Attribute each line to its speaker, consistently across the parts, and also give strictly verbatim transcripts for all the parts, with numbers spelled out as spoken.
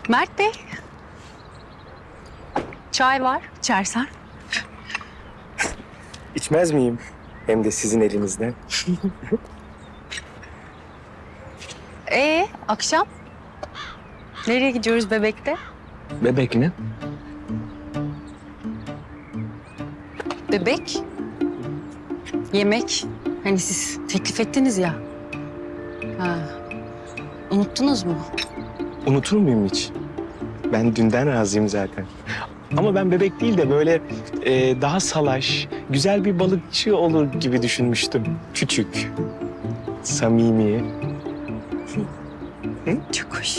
Speaker 1: Mert Bey. Çay var, içersen.
Speaker 2: İçmez miyim? Hem de sizin elinizden.
Speaker 1: Ee, akşam? Nereye gidiyoruz Bebek'te?
Speaker 2: Bebek mi?
Speaker 1: Bebek? Yemek. Hani siz teklif ettiniz ya. Ha. Unuttunuz mu?
Speaker 2: Unutur muyum hiç? Ben dünden razıyım zaten. Ama ben bebek değil de böyle e, daha salaş, güzel bir balıkçı olur gibi düşünmüştüm. Küçük, samimi.
Speaker 1: Çok hoş.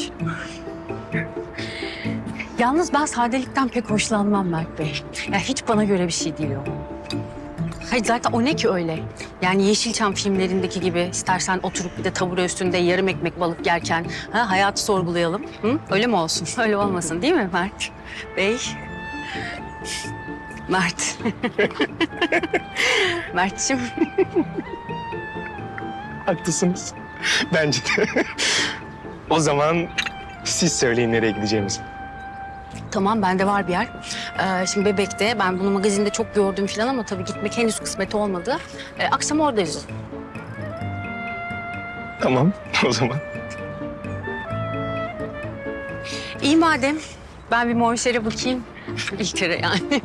Speaker 1: Yalnız ben sadelikten pek hoşlanmam Mert Bey. Ya hiç bana göre bir şey değil o. Hayır zaten o ne ki öyle? Yani Yeşilçam filmlerindeki gibi istersen oturup bir de tabure üstünde yarım ekmek balık yerken ha, hayatı sorgulayalım. Hı? Öyle mi olsun? Öyle olmasın değil mi Mert Bey? Mert. Mert'ciğim.
Speaker 2: Haklısınız. Bence de. O zaman siz söyleyin nereye gideceğimizi.
Speaker 1: Tamam bende var bir yer. Ee, şimdi Bebek'te ben bunu magazinde çok gördüm falan ama tabii gitmek henüz kısmet olmadı. Ee, akşam oradayız.
Speaker 2: Tamam, o zaman.
Speaker 1: İyi madem. Ben bir monşere bakayım. İlk kere yani.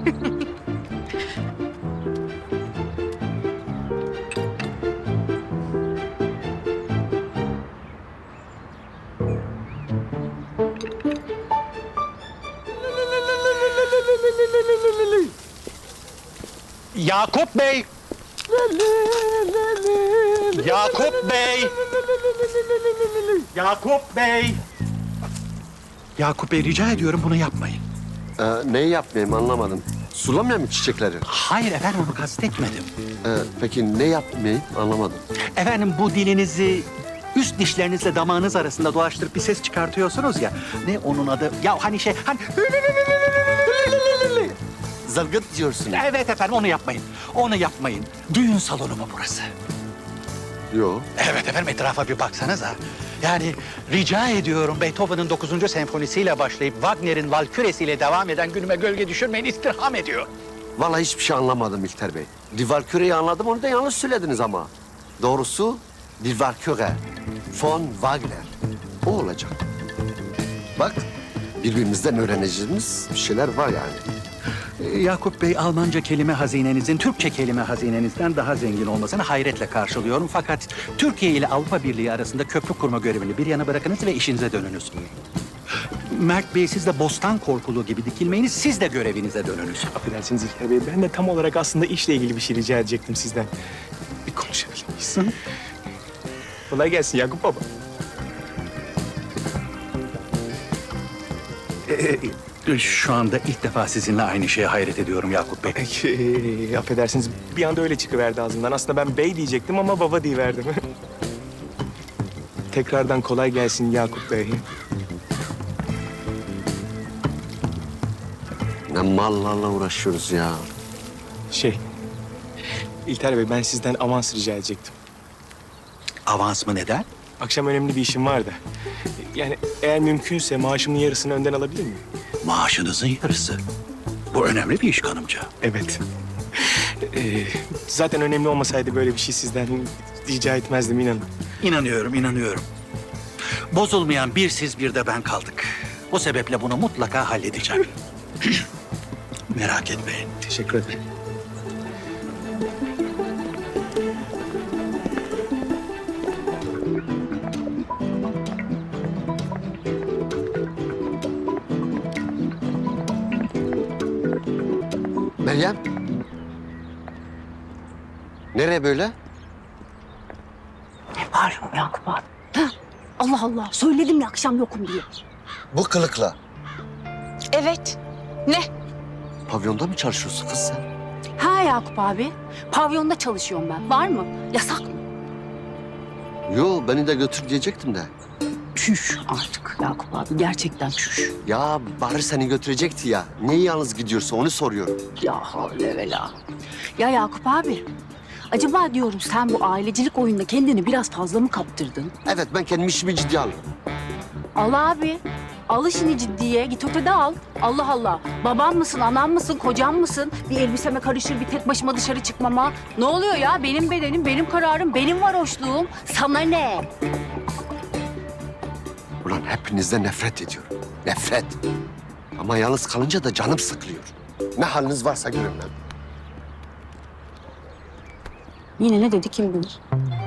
Speaker 3: Yakup Bey! Yakup Bey! Yakup Bey! Yakup Bey rica ediyorum bunu yapmayın.
Speaker 4: Ee, neyi yapmayayım anlamadım. Sulamıyor mu çiçekleri?
Speaker 3: Hayır efendim onu kastetmedim.
Speaker 4: Ee, peki ne yapmayayım anlamadım.
Speaker 3: Efendim bu dilinizi üst dişlerinizle damağınız arasında dolaştırıp bir ses çıkartıyorsunuz ya. Ne onun adı? Ya hani şey hani...
Speaker 4: Zılgıt diyorsun.
Speaker 3: Evet efendim onu yapmayın. Onu yapmayın. Düğün salonu mu burası?
Speaker 4: Yok.
Speaker 3: Evet efendim etrafa bir baksanıza. Yani rica ediyorum Beethoven'ın dokuzuncu senfonisiyle başlayıp Wagner'in Valküresi'yle devam eden günüme gölge düşürmeyin istirham ediyor.
Speaker 4: Vallahi hiçbir şey anlamadım İlter Bey. Divalküre'yi anladım, onu da yanlış söylediniz ama. Doğrusu Divalküre, von Wagner. O olacak. Bak, birbirimizden öğreneceğimiz bir şeyler var yani.
Speaker 3: Ee, Yakup Bey, Almanca kelime hazinenizin Türkçe kelime hazinenizden daha zengin olmasını hayretle karşılıyorum. Fakat Türkiye ile Avrupa Birliği arasında köprü kurma görevini bir yana bırakınız ve işinize dönünüz. Mert Bey, siz de bostan korkuluğu gibi dikilmeyiniz, siz de görevinize dönünüz.
Speaker 2: Affedersiniz İlker Bey, ben de tam olarak aslında işle ilgili bir şey rica edecektim sizden. Bir konuşabilir miyiz? Kolay gelsin Yakup Baba.
Speaker 3: Ee, Şu anda ilk defa sizinle aynı şeye hayret ediyorum Yakup Bey.
Speaker 2: Ee, affedersiniz, bir anda öyle çıkıverdi ağzımdan. Aslında ben bey diyecektim ama baba diyiverdim. Tekrardan kolay gelsin Yakup Bey.
Speaker 4: Ne mallarla uğraşıyoruz ya.
Speaker 2: Şey, İlter Bey ben sizden avans rica edecektim.
Speaker 3: Avans mı neden?
Speaker 2: Akşam önemli bir işim var da. Yani eğer mümkünse maaşımın yarısını önden alabilir miyim?
Speaker 3: Maaşınızın yarısı. Bu önemli bir iş kanımca.
Speaker 2: Evet. Ee, zaten önemli olmasaydı böyle bir şey sizden rica etmezdim inanın.
Speaker 3: İnanıyorum, inanıyorum. Bozulmayan bir siz bir de ben kaldık. Bu sebeple bunu mutlaka halledeceğim. Merak etmeyin.
Speaker 2: Teşekkür ederim.
Speaker 4: Meryem. Nereye böyle?
Speaker 1: Ne var Yakup abi? Ha? Allah Allah söyledim ya akşam yokum diye.
Speaker 4: Bu kılıkla.
Speaker 1: Evet. Ne?
Speaker 4: Pavyonda mı çalışıyorsun kız sen?
Speaker 1: Ha Yakup abi. Pavyonda çalışıyorum ben. Var mı? Yasak mı?
Speaker 4: Yo, beni de götür diyecektim de.
Speaker 1: Çüş artık Yakup abi. Gerçekten çüş.
Speaker 4: Ya Bahri seni götürecekti ya. Niye yalnız gidiyorsun onu soruyorum.
Speaker 1: Ya havle ve la. Ya Yakup abi. Acaba diyorum sen bu ailecilik oyununda kendini biraz fazla mı kaptırdın?
Speaker 4: Evet, ben kendimi işimi ciddiye alıyorum.
Speaker 1: Al abi. al işini ciddiye. Git ötede al. Allah Allah. Babam mısın, anam mısın, kocam mısın? Bir elbiseme karışır, bir tek başıma dışarı çıkmama. Ne oluyor ya? Benim bedenim, benim kararım, benim varoşluğum. Sana ne?
Speaker 4: Ulan hepinizden nefret ediyorum. Nefret. Ama yalnız kalınca da canım sıkılıyor. Ne haliniz varsa görün lan.
Speaker 1: Yine ne dedi kim bilir?